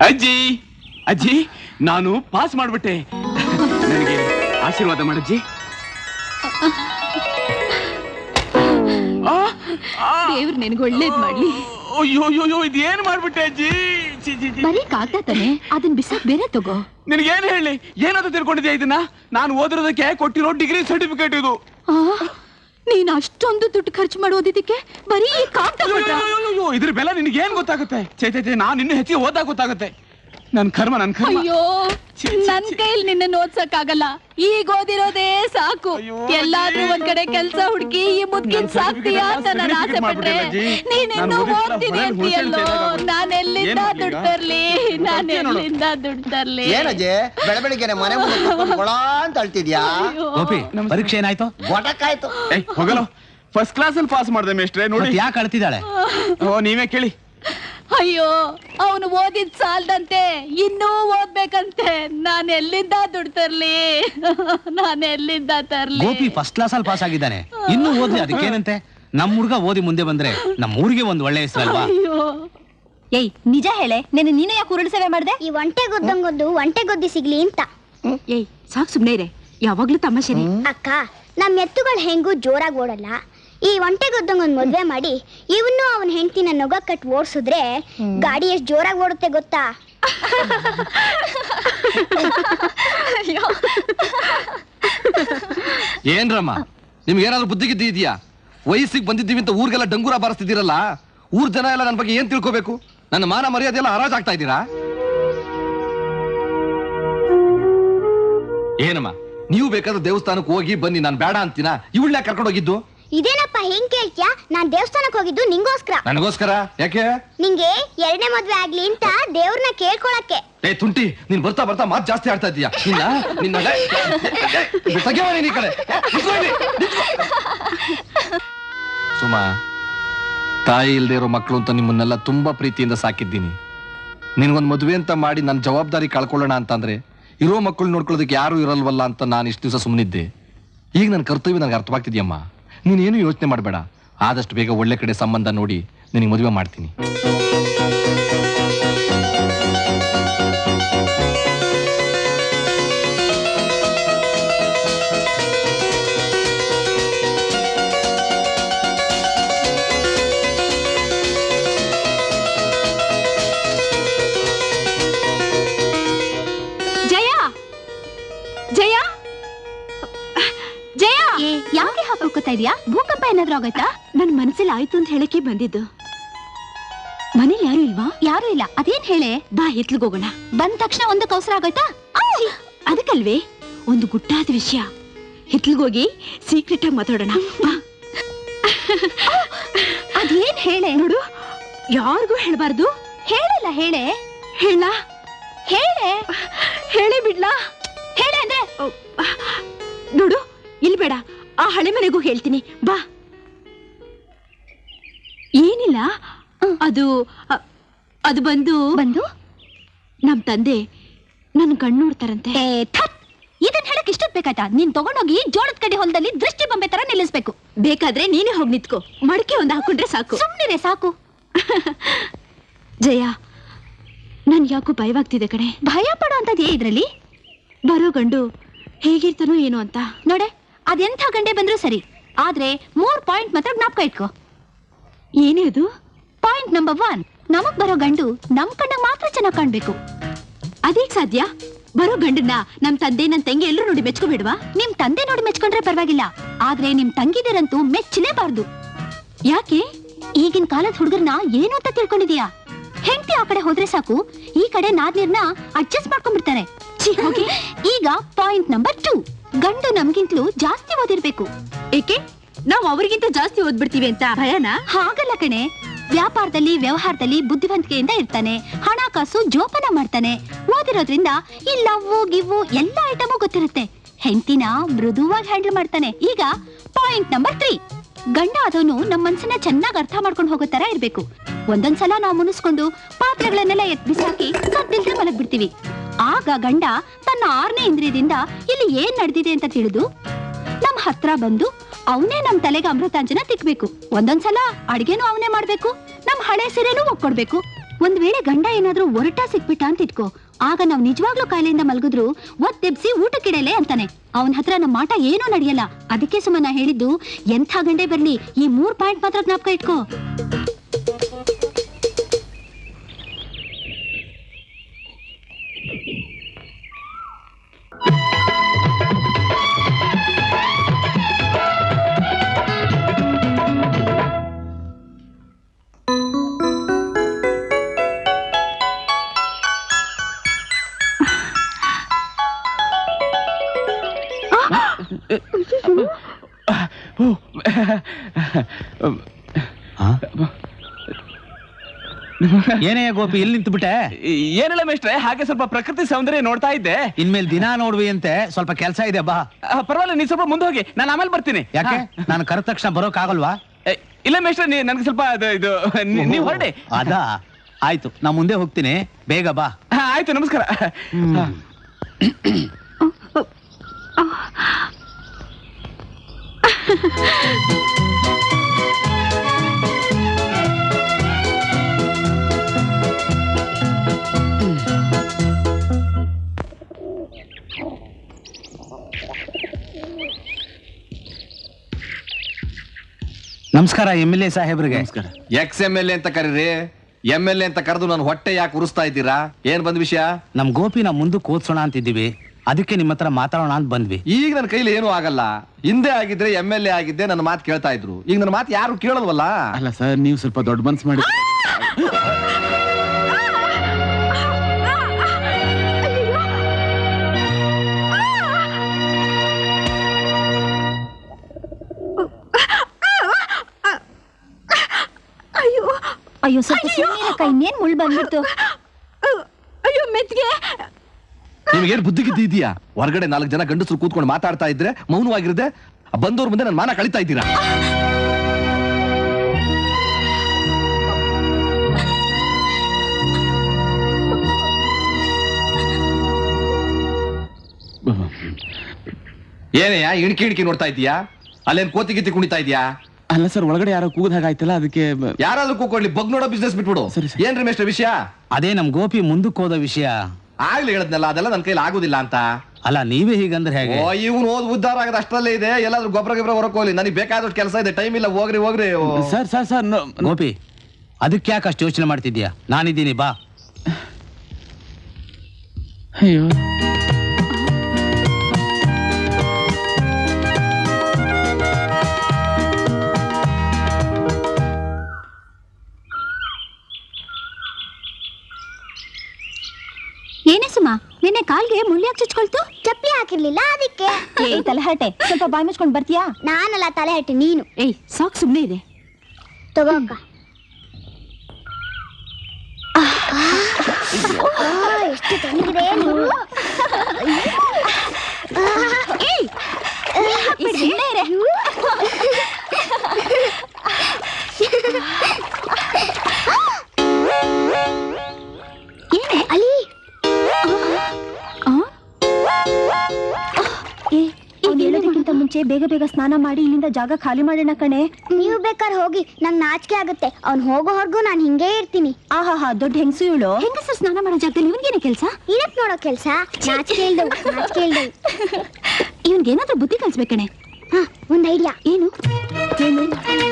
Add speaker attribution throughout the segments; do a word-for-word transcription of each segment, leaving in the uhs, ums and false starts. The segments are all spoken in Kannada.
Speaker 1: ಅಜ್ಜಿ ಅಜ್ಜಿ ನಾನು ಪಾಸ್ ಮಾಡ್ಬಿಟ್ಟೆ. ನನಗೆ ಆಶೀರ್ವಾದ ಮಾಡಜ್ಜಿ.
Speaker 2: ದೇವ್ರು ನಿನಗೆ ಒಳ್ಳೇದ್ ಮಾಡ್ಲಿ.
Speaker 1: ಅಯ್ಯೋ ಅಯ್ಯೋ ಇದೇನ್ ಮಾಡ್ಬಿಟ್ಟೆ ಅಜ್ಜಿ.
Speaker 2: ಬರೀ ಕಾಗ್ದ ತಾನೆ, ಅದನ್ನ ಬಿಸಾಕ್ ಬೇರೆ ತಗೋ.
Speaker 1: ನಿನಗೇನ್ ಹೇಳಿ, ಏನಾದ್ರು ತಿಳ್ಕೊಂಡಿದ್ಯಾ ಇದನ್ನ? ನಾನು ಓದಿರೋದಕ್ಕೆ ಕೊಟ್ಟಿರೋ ಡಿಗ್ರಿ ಸರ್ಟಿಫಿಕೇಟ್ ಇದು.
Speaker 2: ನೀನ್ ಅಷ್ಟೊಂದು ದುಡ್ಡು ಖರ್ಚು ಮಾಡೋದಿದ್ದಕ್ಕೆ ಬರೀ ಕಾಗ್ದ.
Speaker 1: ಇದ್ರ ಬೆಲೆ ನಿನಗೆ ಏನ್ ಗೊತ್ತಾಗುತ್ತೆ? ಚೈತೈತೆ ನಾನು ಇನ್ನು ಹೆಚ್ಚಿಗೆ ಓದಾಗ ಗೊತ್ತಾಗುತ್ತೆ. ನನ್ ಕರ್ಮ ನನ್ ಕರ್ಮ.
Speaker 2: ಅಯ್ಯೋ ನನ್ ಕೈಲಿ ನಿನ್ನ ಓದ್ಸಕ್ ಆಗಲ್ಲ. ಈಗ ಓದಿರೋದೇ ಸಾಕು. ಎಲ್ಲಾದ್ರೂ ಒಂದ್ ಕಡೆ ಕೆಲ್ಸ ಹುಡುಕಿ ಈ ಮುದ್ಕಿನ್ ಸಾಕ್ತೀಯಾ ಅಂತ ನಾನು ಆಸೆ ಪಟ್ರೆ ನೀನ್ ಇನ್ನು ಓದ್ತೀನಿ ಅಂತೀಯಲ್ಲೋ. ನಾನ್ ಎಲ್ಲಿಂದ ದುಡ್ಡು ತರ್ಲಿ? ನಾನ್ ಎಲ್ಲಿಂದ ದುಡ್ಡು ತರ್ಲಿ?
Speaker 3: ಏನಜ್ಜೆ ಬೆಳ ಬೆಳಿಗ್ಗೆ ಮನೆ ಮುಂದೆ ಗೊಳ ಅಂತ ಅಳ್ತಿದ್ಯಾ?
Speaker 4: ಗೋಪಿ, ಪರೀಕ್ಷೆ ಏನಾಯ್ತು?
Speaker 3: ಗೊಟಕ್ಕಾಯ್ತು.
Speaker 1: ಹೋಗಲ್ಲ, ಫಸ್ಟ್ ಕ್ಲಾಸ್ ಅಲ್ಲಿ ಪಾಸ್ ಮಾಡ್ದೆ ಮೇಷ್ಟ್ರೆ. ನೋಡಿ
Speaker 4: ಯಾಕೆ ಅಳ್ತಿದ್ದಾಳೆ?
Speaker 1: ಓ ನೀವೇ ಕೇಳಿ.
Speaker 2: ಅಯ್ಯೋ ಅವನು ಓದಿದ್ ಸಾಲ್ದಂತೆ ಇನ್ನೂ ಓದ್ಬೇಕಂತೆ. ನಾನ್ ಎಲ್ಲಿಂದ ದುಡ್ಡು ತರ್ಲಿ? ನಾನ್ ಎಲ್ಲಿಂದ ತರ್ಲಿ?
Speaker 4: ಗೋಪಿ ಫಸ್ಟ್ ಕ್ಲಾಸ್ ಅಲ್ಲಿ ಪಾಸ್ ಆಗಿದ್ದಾನೆ, ಇನ್ನೂ ಓದ್ಲಿ, ಅದಕ್ಕೇನಂತೆ? ನಮ್ ಹುಡ್ಗ ಓದಿ ಮುಂದೆ ಬಂದ್ರೆ ನಮ್ಮ ಊರಿಗೆ ಒಂದ್ ಒಳ್ಳೆ ಹೆಸರಲ್ವಾ?
Speaker 2: ಏಯ್ ನಿಜ ಹೇಳೆ, ನೀನು ನೀನು ಯಾಕೆ ಉರುಳು ಸೇವೆ ಮಾಡ್ದೆ?
Speaker 5: ಈ ಒಂಟೆ ಗೊದ್ದಂಗೊದ್ದು ಒಂಟೆ ಗೊದ್ದಿ ಸಿಗ್ಲಿ ಅಂತ.
Speaker 2: ಏಯ್ ಸಾಕ್ ಸುಮ್ನೆ ಇರೆ, ಯಾವಾಗ್ಲೂ ತಮಾಷೆನೆ.
Speaker 5: ಅಕ್ಕ, ನಮ್ ಎತ್ತುಗಳು ಹೆಂಗೂ ಜೋರಾಗಿ ಓಡಲ್ಲ. ಈ ಒಂಟೆ ಗೊದ್ದಂಗೊಂದ್ ಮದ್ವೆ ಮಾಡಿ ಇವನು ಅವನ ಹೆಂಡತಿನ ನೊಗ ಕಟ್ ಓಡಿಸಿದ್ರೆ ಗಾಡಿ ಎಷ್ಟು ಜೋರಾಗಿ ಓಡುತ್ತೆ ಗೊತ್ತಾ?
Speaker 6: ಏನ್ರಮ್ಮ, ನಿಮ್ಗೆ ಏನಾದ್ರು ಬುದ್ಧಿಗಿದ್ದಿ ಇದೆಯಾ? ವಯಸ್ಸಿಗೆ ಬಂದಿದ್ದೀವಿ ಅಂತ ಊರಿಗೆಲ್ಲ ಡಂಗೂರ ಬಾರಿಸ್ತಿದ್ದೀರಲ್ಲ. ಊರ್ ಜನ ಎಲ್ಲ ನನ್ನ ಬಗ್ಗೆ ಏನ್ ತಿಳ್ಕೋಬೇಕು? ನನ್ನ ಮಾನ ಮರ್ಯಾದೆ ಎಲ್ಲ ಹರಾಜಾಗ್ತಾ ಇದ್ದೀರಾ? ಏನಮ್ಮ, ನೀವು ಬೇಕಾದ್ರೆ ದೇವಸ್ಥಾನಕ್ಕೆ ಹೋಗಿ ಬನ್ನಿ, ನಾನು ಬೇಡ ಅಂತೀನ? ಇವಳ್ನ ಕರ್ಕೊಂಡು ಹೋಗಿದ್ದು?
Speaker 5: ಇದೇನಪ್ಪ ಹೆಂಗ್ ಕೇಳ್ತ್ಯಾ? ನಾನ್ ದೇವಸ್ಥಾನಕ್ಕೆ ಹೋಗಿದ್ದು ನಿಂಗೋಸ್ಕರ.
Speaker 6: ನನಗೋಸ್ಕರ? ಯಾಕೆ? ನಿಂಗೆ
Speaker 5: ಎರಡನೇ ಮದ್ವೆ ಆಗ್ಲಿ ಅಂತ ದೇವ್ರನ್ನ ಕೇಳ್ಕೊಳಕ್ಕೆ.
Speaker 6: ಏ ತುಂಟಿ, ನೀನ್ ಬರ್ತಾ ಬರ್ತಾ ಮಾತು ಜಾಸ್ತಿ ಆಡ್ತಾ ಇದ್ದೀಯಾ. ನಿನ್ನ ನಿನ್ನ ತೆಗೆವನಿ ಈ ಕಡೆ. ಸುಮಾ, ತಾಯಿ ಇಲ್ದೇ ಇರೋ ಮಕ್ಕಳು ಅಂತ ನಿಮ್ಮನ್ನೆಲ್ಲ ತುಂಬಾ ಪ್ರೀತಿಯಿಂದ ಸಾಕಿದ್ದೀನಿ. ನಿನ್ಗೊಂದ್ ಮದುವೆ ಅಂತ ಮಾಡಿ ನನ್ನ ಜವಾಬ್ದಾರಿ ಕಳ್ಕೊಳ್ಳೋಣ ಅಂತಂದ್ರೆ ಇರೋ ಮಕ್ಕಳು ನೋಡ್ಕೊಳ್ಳೋದಕ್ಕೆ ಯಾರು ಇರಲ್ವಲ್ಲ ಅಂತ ನಾನು ಇಷ್ಟು ದಿವಸ ಸುಮ್ಮನಿದ್ದೆ. ಈಗ ನನ್ನ ಕರ್ತವ್ಯ ನನಗೆ ಅರ್ಥವಾಗ್ತಿದ್ಯಮ್ಮ. ನೀನೇನು ಯೋಚನೆ ಮಾಡಬೇಡ, ಆದಷ್ಟು ಬೇಗ ಒಳ್ಳೆ ಕಡೆ ಸಂಬಂಧ ನೋಡಿ ನಿನಗೆ ಮದುವೆ ಮಾಡ್ತೀನಿ.
Speaker 2: ಜಯ ಜಯ ಜಯ, ಯಾಕೆ ಹಾಕೋತಾ ಇದೀಯಾ? ಭೂಕಂಪ ಏನಾದ್ರೂ ಆಗೋಯ್ತಾ? ನನ್ ಮನಸ್ಸಲ್ಲಿ ಆಯ್ತು ಅಂತ ಹೇಳಕ್ಕೆ ಬಂದಿದ್ದು. ಮನೇಲಿ ಯಾರು ಇಲ್ವಾ? ಯಾರು ಇಲ್ಲ. ಅದೇನ್ ಹೇಳೆ? ಬಾ ಎತ್ಲಿಗೋಗೋಣ. ಬಂದ ತಕ್ಷಣ ಒಂದು ಕೌಸರ ಆಗೋಯ್ತಾ? ಅದಕ್ಕಲ್ವೇ ಒಂದು ಗುಟ್ಟಾದ ವಿಷಯ. ಹಿತ್ಲಿಗೋಗಿ ಸೀಕ್ರೆಟ್ ಆಗಿ ಮಾತಾಡೋಣ. ಅದೇನ್ ಹೇಳೆ? ನೋಡು, ಯಾರಿಗೂ ಹೇಳ್ಬಾರ್ದು. ಹೇಳಲ್ಲ. ಹೇಳೆ ಹೇಳ ಹೇಳೆ ಹೇಳೇ ಬಿಡ್ಲಾ? ಹೇಳೆ ಅಂದ್ರೆ ನೋಡು, ಇಲ್ಲಿ ಬೇಡ, ಆ ಹಳೆ ಮನೆಗೂ ಹೇಳ್ತೀನಿ. ಬಾ. ಏನಿಲ್ಲ, ಅದು ಅದು ಬಂದು ಬಂದು ನಮ್ ತಂದೆ ನನ್ ಕಣ್ಣು ನೋಡ್ತಾರಂತೆ. ಇದನ್ ಹೇಳಕ್ ಇಷ್ಟೊತ್ ಬೇಕಾಯ್ತಾ? ನೀನ್ ತಗೊಂಡೋಗಿ ಜೋಳದ ಕಡೆ ಹೊಲದಲ್ಲಿ ದೃಷ್ಟಿ ಬೊಂಬೆ ತರ ನಿಲ್ಲಿಸ್ಬೇಕು. ಬೇಕಾದ್ರೆ ನೀನೇ ಹೋಗಿ ನಿತ್ಕೋ, ಮಡಕೆ ಒಂದ್ ಹಾಕೊಂಡ್ರೆ ಸಾಕು. ಸುಮ್ನಿರೆ ಸಾಕು. ಜಯ, ನನ್ ಯಾಕೋ ಭಯವಾಗ್ತಿದೆ ಕಣೆ. ಭಯ ಪಡೋ ಅಂತದೇ ಇದ್ರಲ್ಲಿ? ಬರೋ ಗಂಡು ಹೇಗಿರ್ತಾನೋ ಏನೋ ಅಂತ. ನೋಡೆ, ಅದೆಂಥ ಗಂಡೆ ಬಂದ್ರು ಸರಿ, ಆದ್ರೆ ಮೂರ್ ಪಾಯಿಂಟ್ ಮಾತ್ರ ಜ್ಞಾಪಕ ಇಟ್ಕೋ. ಏನೇ ಅದು? ಪಾಯಿಂಟ್ ನಂಬರ್ ಒನ್, ನಮಗ್ ಬರೋ ಗಂಡು ನಮ್ ಕಣ್ಣ ಮಾತ್ರ ಚೆನ್ನಾಗ್ ಕಾಣ್ಬೇಕು. ಅದೇಗ್ ಸಾಧ್ಯ? ಬರೋ ಗಂಡನ್ನ ನಮ್ ತಂದೆ ನನ್ ತಂಗಿ ಎಲ್ಲರೂ ನೋಡಿ ಮೆಚ್ಕೋಬೇಡ್ವಾ? ನಿಮ್ ತಂದೆ ನೋಡಿ ಮೆಚ್ಕೊಂಡ್ರೆ ಪರವಾಗಿಲ್ಲ, ಆದ್ರೆ ನಿಮ್ ತಂಗಿದಿರಂತೂ ಮೆಚ್ಚಲೇಬಾರ್ದು. ಯಾಕೆ? ಈಗಿನ ಕಾಲದ ಹುಡುಗರ್ನ ಏನು ಅಂತ ತಿಳ್ಕೊಂಡಿದೀಯಾ? ಹೆಂಡತಿ ಆ ಕಡೆ ಹೋದ್ರೆ ಸಾಕು, ಈ ಕಡೆ ನಾದ್ನೀರ್ನ ಅಡ್ಜಸ್ಟ್ ಮಾಡ್ಕೊಂಡ್ಬಿಡ್ತಾರೆ. ಈಗ ಪಾಯಿಂಟ್ ನಂಬರ್ ಟೂ, ಗಂಡು ನಮ್ಗಿಂತಲೂ ಜಾಸ್ತಿ ಓದಿರ್ಬೇಕು. ಏಕೆ? ನಾವು ಅವ್ರಿಗಿಂತ ಜಾಸ್ತಿ ಓದ್ಬಿಡ್ತೀವಿ ಅಂತ ಭಯನ? ಹಾಗಲ್ಲ ಕಣೆ, ವ್ಯಾಪಾರದಲ್ಲಿ ವ್ಯವಹಾರದಲ್ಲಿ ಬುದ್ಧಿವಂತಿಕೆಯಿಂದ ಇರ್ತಾನೆ, ಹಣಕಾಸು ಜೋಪಾನ ಮಾಡ್ತಾನೆ, ಓದಿರೋದ್ರಿಂದ ಈ ಲವ್ವು ಗಿವ್ವು ಎಲ್ಲ ಐಟಮು ಗೊತ್ತಿರುತ್ತೆ, ಹೆಂಡತಿನ ಮೃದುವಾಗಿ ಹ್ಯಾಂಡಲ್ ಮಾಡ್ತಾನೆ. ಈಗ ಪಾಯಿಂಟ್ ನಂಬರ್ ತ್ರೀ, ಗಂಡ ಆದವನು ನಮ್ಮ ಮನ್ಸನ್ನ ಚೆನ್ನಾಗಿ ಅರ್ಥ ಮಾಡ್ಕೊಂಡು ಹೋಗೋ ತರ ಇರ್ಬೇಕು. ಒಂದೊಂದ್ಸಲ ನಾವು ಮುನಿಸ್ಕೊಂಡು ಪಾತ್ರೆಗಳನ್ನೆಲ್ಲ ಎತ್ ಬಿಸಾಕಿ ಸದ್ದಿಲ್ದೆ ಮಲಗ್ ಬಿಡ್ತೀವಿ. ಆಗ ಗಂಡ ತನ್ನ ಆರನೇ ಇಂದ್ರಿಯದಿಂದ ಇಲ್ಲಿ ಏನ್ ನಡೆದಿದೆ ಅಂತ ತಿಳಿದು ನಮ್ ಹತ್ರ ಬಂದು ಅವನೇ ನಮ್ ತಲೆಗೆ ಅಮೃತಾಂಜನ ತಿಕ್ಬೇಕು. ಒಂದೊಂದ್ಸಲ ಅಡ್ಗೆನೂ ಅವನೇ ಮಾಡ್ಬೇಕು, ನಮ್ ಹಳೆ ಸೀರೆನೂ ಒಕ್ಕೊಡ್ಬೇಕು. ಒಂದ್ ವೇಳೆ ಗಂಡ ಏನಾದ್ರೂ ಒರಟ ಸಿಕ್ಬಿಟ್ಟ ಅಂತ ಇಟ್ಕೋ, ಆಗ ನಾವ್ ನಿಜವಾಗ್ಲೂ ಕಾಯಿಲೆಯಿಂದ ಮಲಗಿದ್ರು ಒತ್ತೆಬ್ಸಿ ಊಟಕ್ಕಿಡಲೆ ಅಂತಾನೆ. ಅವನ ಹತ್ರ ನಮ್ಮ ಮಾಟ ಏನೂ ನಡೆಯಲ್ಲ. ಅದಕ್ಕೆ ಸುಮ್ಮನ ಹೇಳಿದ್ದು, ಎಂಥ ಗಂಡೆ ಬರ್ಲಿ ಈ ಮೂರ್ ಪಾಯಿಂಟ್ ಮಾತ್ರ ಜ್ಞಾಪಕ ಇಟ್ಕೋ.
Speaker 4: ಏನೇ ಗೋಪಿ, ಎಲ್ಲಿ ನಿಂತು ಬಿಟ್ಟೆ?
Speaker 1: ಏನಿಲ್ಲ ಮೇಷ್ಟ್ರೆ, ಹಾಗೆ ಸ್ವಲ್ಪ ಪ್ರಕೃತಿ ಸೌಂದರ್ಯ ನೋಡ್ತಾ ಇದ್ದೆ.
Speaker 4: ಇನ್ಮೇಲೆ ದಿನ ನೋಡ್ವಿ ಅಂತೆ, ಸ್ವಲ್ಪ ಕೆಲಸ ಇದೆ ಬಾ.
Speaker 1: ಆ, ಪರವಾಗಿಲ್ಲ, ನೀನ್ ಸ್ವಲ್ಪ ಮುಂದೆ ಹೋಗಿ, ನಾನು ಆಮೇಲೆ ಬರ್ತೀನಿ.
Speaker 4: ಯಾಕೆ?
Speaker 1: ಹಾ.
Speaker 4: ನಾನು ಕರೆದ ತಕ್ಷಣ ಬರೋಕ್ ಆಗಲ್ವಾ?
Speaker 1: ಏ, ಇಲ್ಲ ಮೇಷ್ಟ್ರೆ, ನೀ ನನ್ಗೆ ಸ್ವಲ್ಪ ಅದು ಇದು ನೀ- ನೀವ್ ಹೊರಡಿ.
Speaker 4: ಅದಾ ಆಯ್ತು, ನಾ ಮುಂದೆ ಹೋಗ್ತೀನಿ, ಬೇಗ ಬಾ.
Speaker 1: ಹಾ, ಆಯ್ತು, ನಮಸ್ಕಾರ. ಹಾ.
Speaker 4: ನಮಸ್ಕಾರ ಎಮ್ ಎಲ್ ಎ ಸಾಹೇಬ್ರಿಗೆ.
Speaker 6: ಎಕ್ಸ್ ಎಮ್ ಎಲ್ ಎ ಅಂತ ಕರೀರಿ. ಎಮ್ ಎಲ್ ಎ ಅಂತ ಕರೆದು ನನ್ನ ಹೊಟ್ಟೆ ಯಾಕೆ ಉರಿಸ್ತಾ ಇದ್ದೀರಾ? ಏನ್ ಬಂದ್ ವಿಷಯ?
Speaker 4: ನಮ್ ಗೋಪಿನ ಮುಂದಕ್ಕೆ ಓದ್ಸೋಣ ಅಂತಿದ್ದೀವಿ, ಅದಕ್ಕೆ ನಿಮ್ಮ ಹತ್ರ ಮಾತಾಡೋಣ ಅಂತ ಬಂದ್ವಿ.
Speaker 6: ಈಗ ನನ್ನ ಕೈಲಿ ಏನೂ ಆಗಲ್ಲ. ಹಿಂದೆ ಆಗಿದ್ರೆ ಎಮ್ ಎಲ್ ಎ ಆಗಿದ್ದೆ ನನ್ನ ಮಾತು ಕೇಳ್ತಾ ಇದ್ರು. ಈಗ ನನ್ನ ಮಾತು ಯಾರು ಕೇಳಲ್ವಲ್ಲ.
Speaker 1: ಅಲ್ಲ ಸರ್, ನೀವು ಸ್ವಲ್ಪ ದೊಡ್ಡ ಮನ್ಸು ಮಾಡಿ.
Speaker 2: ಅಯ್ಯೋ ಅಯ್ಯೋ, ಸ್ವಲ್ಪ ಸುಮ್ಮನೆ ಇನ್ನೇನ್ ಮುಳ್ ಬಂದ್ಬಿಡ್ತು. ಅಯ್ಯೋ ಮೆತ್ಗೆ.
Speaker 6: ನಿಮ್ಗೇನು ಬುದ್ಧಿ ಗಿದ್ದಿ ಇದೆಯಾ? ಹೊರಗಡೆ ನಾಲ್ಕು ಜನ ಗಂಡಸರು ಕೂತ್ಕೊಂಡು ಮಾತಾಡ್ತಾ ಇದ್ರೆ ಮೌನವಾಗಿರದೆ ಬಂದವ್ರ ಮುಂದೆ ನನ್ನ ಮಾನ ಕಳಿತಾ ಇದ್ದೀರಾ? ಏನಯ್ಯ ಇಣ್ಕಿ ಇಣ್ಕಿ ನೋಡ್ತಾ ಇದೀಯಾ? ಅಲ್ಲೇನ್ ಕೋತಿ ಗಿತ್ತಿ ಕುಣಿತಾ ಇದೀಯಾ?
Speaker 1: ಅಲ್ಲ ಸರ್, ಒಳಗಡೆ ಯಾರೋ ಕೂಗದ ಹಾಗಾಯ್ತಲ್ಲ, ಅದಕ್ಕೆ.
Speaker 6: ಯಾರಾದ್ರೂ ಕೂತ್ಕೊಳ್ಳಿ, ಬಗ್ ನೋಡೋ ಬಿಸ್ನೆಸ್ ಬಿಟ್ಬಿಡು.
Speaker 1: ಸರಿ, ಸರಿ.
Speaker 6: ಏನ್ರಿ ಮೇಷ್ಟ್ರ ವಿಷಯ?
Speaker 4: ಅದೇ ನಮ್ ಗೋಪಿ ಮುಂದಕ್ಕೆ ಹೋದ ವಿಷಯ.
Speaker 6: ಆಗ್ಲಿ ಹೇಳದ್ನಲ್ಲ, ಅದೆಲ್ಲ ನನ್ನ ಕೈಲಿ ಆಗುದಿಲ್ಲ ಅಂತ.
Speaker 4: ಅಲ್ಲ, ನೀವೇ ಹೀಗಂದ್ರೆ ಹೇಗೆ?
Speaker 6: ಓ, ಇವ್ನು ಓದ್ ಉದ್ದಾರ ಆಗದ ಅಷ್ಟರಲ್ಲೇ ಇದೆ. ಎಲ್ಲಾದ್ರೂ ಗೊಬ್ಬರ ಗೊಬ್ಬರ ಹೊರಕ್ ಹೋಗ್ಲಿ, ನನಗೆ ಬೇಕಾದಷ್ಟು ಕೆಲಸ ಇದೆ, ಟೈಮ್ ಇಲ್ಲ. ಹೋಗ್ರಿ ಹೋಗ್ರಿ. ಓ.
Speaker 1: Sir sir sir no-
Speaker 4: Gopi, ಅದಕ್ಕೆ ಯಾಕೆ ಅಷ್ಟು ಯೋಚನೆ ಮಾಡ್ತಿದ್ಯಾ? ನಾನಿದ್ದೀನಿ, ಬಾ.
Speaker 1: ಅಯ್ಯೋ,
Speaker 2: ಏನೇ ಸುಮಾ, ನಿನ್ನೆ ಕಾಲ್ಗೆ ಮುಳ್ಳ್ಯಾಕ್ ಚುಚ್ಕೊಳ್ತು?
Speaker 5: ಚಪ್ಪಲಿ ಹಾಕಿರ್ಲಿಲ್ಲ ಅದಕ್ಕೆ.
Speaker 2: ಏಯ್ ತಲೆಹಟೆ, ಸ್ವಲ್ಪ ಬಾಯ್ ಮುಚ್ಕೊಂಡ್ ಬರ್ತೀಯಾ?
Speaker 5: ನಾನಲ್ಲ ತಲೆ ಹಟ್ಟಿ, ನೀನು.
Speaker 2: ಏಯ್ ಸಾಕ್, ಸುಮ್ನೆ ಇದೆ.
Speaker 5: ತಗೋ ಅಕ್ಕ. ಎಷ್ಟು ತಣ್ಣಗಿದೆ ನೋಡು.
Speaker 2: ಏಯ್ ಈ ಸುಮ್ನೆ ಇರೆ. ಏನೇ
Speaker 5: ಅಲ್ಲಿ
Speaker 2: ಹೇಳೋದಕ್ಕಿಂತ ಮುಂಚೆ ಬೇಗ ಬೇಗ ಸ್ನಾನ ಮಾಡಿ ಇಲ್ಲಿಂದ ಜಾಗ ಖಾಲಿ ಮಾಡೋಣ ಕಣೆ.
Speaker 5: ನೀವು ಬೇಕಾದ್ರೆ ಹೋಗಿ, ನಂಗೆ ನಾಚಿಕೆ ಆಗುತ್ತೆ. ಅವ್ನು ಹೋಗೋವರೆಗೂ ನಾನು ಹಿಂಗೇ ಇರ್ತೀನಿ.
Speaker 2: ಆಹಾ, ದೊಡ್ಡ ಹೆಂಗಸು ಇವಳು. ಹೆಂಗಸರು ಸ್ನಾನ ಮಾಡೋ ಜಾಗದಲ್ಲಿ ಇವನ್ಗೇನೆ ಕೆಲಸ?
Speaker 5: ಏನಕ್ ನೋಡೋ ಕೆಲ್ಸ? ನಾಚಿಕೆ ಇಲ್ದವು, ನಾಚಿಕೆ ಇಲ್ದವು.
Speaker 2: ಇವನ್ಗೇನಾದ್ರೂ ಬುದ್ಧಿ ಕಲ್ಸ್ಬೇಕಣೆ.
Speaker 5: ಹಾ, ಒಂದ್ ಐಡಿಯಾ.
Speaker 2: ಏನು ಏನು?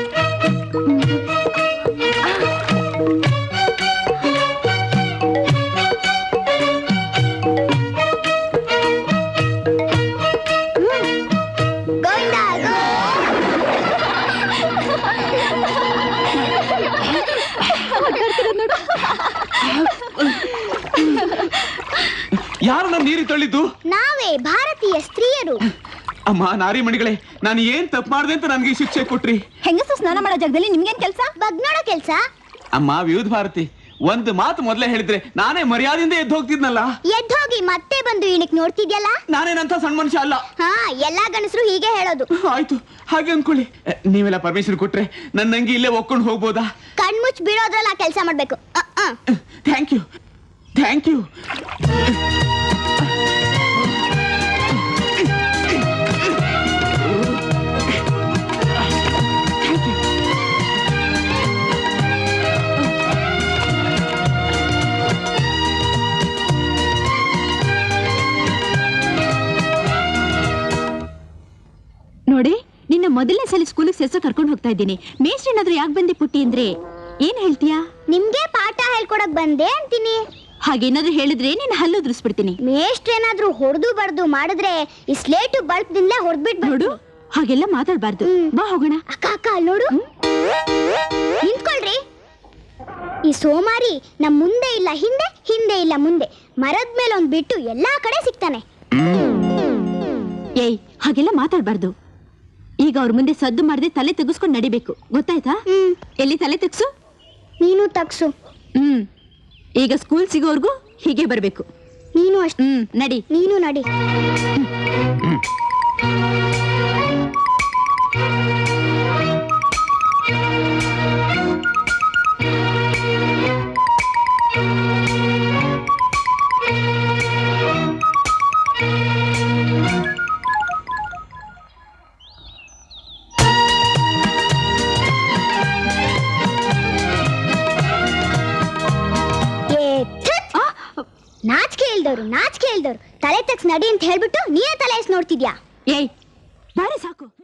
Speaker 1: ಯಾರು ನನ್ನ ನೀರಿ ತಳ್ಳಿದ್ದು?
Speaker 5: ನಾವೇ ಭಾರತೀಯ ಸ್ತ್ರೀಯರು.
Speaker 1: ಅಮ್ಮ ನಾರಿ ಮಣಿಗಳೇ, ನಾನು ಏನ್ ತಪ್ಪು ಮಾಡಿದೆ ಅಂತ ನನಗೆ ಶಿಕ್ಷೆ ಕೊಟ್ರಿ.
Speaker 2: ಹೆಂಗಸರು ಸ್ನಾನ ಮಾಡೋ ಜಾಗದಲ್ಲಿ ನಿಮ್ಗೇನ್ ಕೆಲಸ?
Speaker 5: ಬಗ್ ನೋಡೋ ಕೆಲ್ಸ.
Speaker 1: ಅಮ್ಮ ವಿವಿಧ ಭಾರತಿ, ಒಂದು ಮಾತು ಮೊದಲೇ ಹೇಳಿದ್ರೆ ನಾನೇ ಮರ್ಯಾದೆಯಿಂದ ಎದ್ದು ಹೋಗ್ತಿದ್ನಲ್ಲ.
Speaker 5: ಎದ್ದೋಗಿ ಮತ್ತೆ ಬಂದು ಇಣಕ್ ನೋಡ್ತಿದ್ಯಲ್ಲ.
Speaker 1: ನಾನೇನಂತ ಸಣ್ಣ ಮನುಷ್ಯ ಅಲ್ಲ.
Speaker 5: ಹಾ, ಎಲ್ಲಾ ಗಂಡಸರು ಹೀಗೆ ಹೇಳೋದು.
Speaker 1: ಆಯ್ತು, ಹಾಗೆ ಅನ್ಕೊಳ್ಳಿ. ಎ, ನೀವೆಲ್ಲ ಪರ್ಮಿಷನ್ ಕೊಟ್ರೆ ನನ್ನ ನಂಗೆ ಇಲ್ಲೇ ಒಕ್ಕೊಂಡು ಹೋಗ್ಬೋದಾ?
Speaker 5: ಕಣ್ಮುಚ್ಚ್ ಬಿಡೋದ್ರಲ್ಲಿ ಆ ಕೆಲಸ ಮಾಡ್ಬೇಕು.
Speaker 1: Thank you, thank you.
Speaker 2: ನಿನ್ನ ಮೊದಲನೇ ಸಲ ಸ್ಕೂಲಿಗೆ ಸೇರ್ಸೋ ಕರ್ಕೊಂಡು ಹೋಗ್ತಾ ಇದ್ದೀನಿ. ಮೇಷ್ಟ್ರು ಏನಾದ್ರೂ ಯಾಕೆ ಬಂದೆ ಪುಟ್ಟಿ ಅಂದ್ರೆ ಏನ್ ಹೇಳ್ತೀಯಾ?
Speaker 5: ನಿಮ್ಗೆ ಪಾಠ ಹೇಳ್ಕೊಡಕ್ ಬಂದೆ ಅಂತೀನಿ.
Speaker 2: ಹಾಗೇನಾದ್ರೂ ಹೇಳಿದ್ರೆ ನೀನ್ ಹಲ್ಲು ಉದುರಿಸ್ಬಿಡ್ತೀನಿ.
Speaker 5: ಮೇಷ್ಟ್ರು ಏನಾದ್ರೂ ಹೊಡೆದು ಬಡ್ದು ಮಾಡಿದ್ರೆ ಈ ಸ್ಲೇಟು ಬಲ್ಪ್ ದಿಂದಲೇ ಹೊಡೆದ್ಬಿಟ್ಟು
Speaker 2: ನೋಡು, ಹಾಗೆಲ್ಲ ಮಾತಾಡ್ಬಾರ್ದು. ಬಾ ಹೋಗೋಣ.
Speaker 5: ಅಕ್ಕ ಅಕ್ಕ ಅಲ್ಲಿ ನೋಡು. ನಿಂತ್ಕೊಳ್ರಿ. ಈ ಸೋಮಾರಿ ನಮ್ ಮುಂದೆ ಇಲ್ಲ ಹಿಂದೆ, ಹಿಂದೆ ಇಲ್ಲ ಮುಂದೆ, ಮರದ ಮೇಲೆ ಒಂದ್ ಬಿಟ್ಟು ಎಲ್ಲಾ ಕಡೆ ಸಿಗ್ತಾನೆ.
Speaker 2: ಏಯ್, ಹಾಗೆಲ್ಲ ಮಾತಾಡ್ಬಾರ್ದು. ಈಗ ಅವ್ರ ಮುಂದೆ ಸದ್ದು ಮಾಡದೆ ತಲೆ ತೆಗಿಸ್ಕೊಂಡು ನಡಿಬೇಕು, ಗೊತ್ತಾಯ್ತಾ?
Speaker 5: ಹ್ಮ್
Speaker 2: ಎಲ್ಲಿ ತಲೆ ತೆಗ್ಸು?
Speaker 5: ನೀನು ತಗ್ಸು.
Speaker 2: ಹ್ಮ್ ಈಗ ಸ್ಕೂಲ್ ಸಿಗೋವರ್ಗು ಹೀಗೆ ಬರ್ಬೇಕು.
Speaker 5: ನೀನು ಅಷ್ಟೇ.
Speaker 2: ಹ್ಮ್ ನಡಿ.
Speaker 5: ನೀನು ನಡಿ. ನಾಚಿಕೆ ಇಲ್ದವ್ರು ನಾಚಿಕೆ ಇಲ್ದವ್ರು ತಲೆ ತಗ್ಸ್ ನಡಿ ಅಂತ ಹೇಳ್ಬಿಟ್ಟು ನೀನೇ ತಲೆ ಎಸ್ ನೋಡ್ತಿದ್ಯಾ?
Speaker 2: ಏಯ್ ಬಾರಿ ಸಾಕು.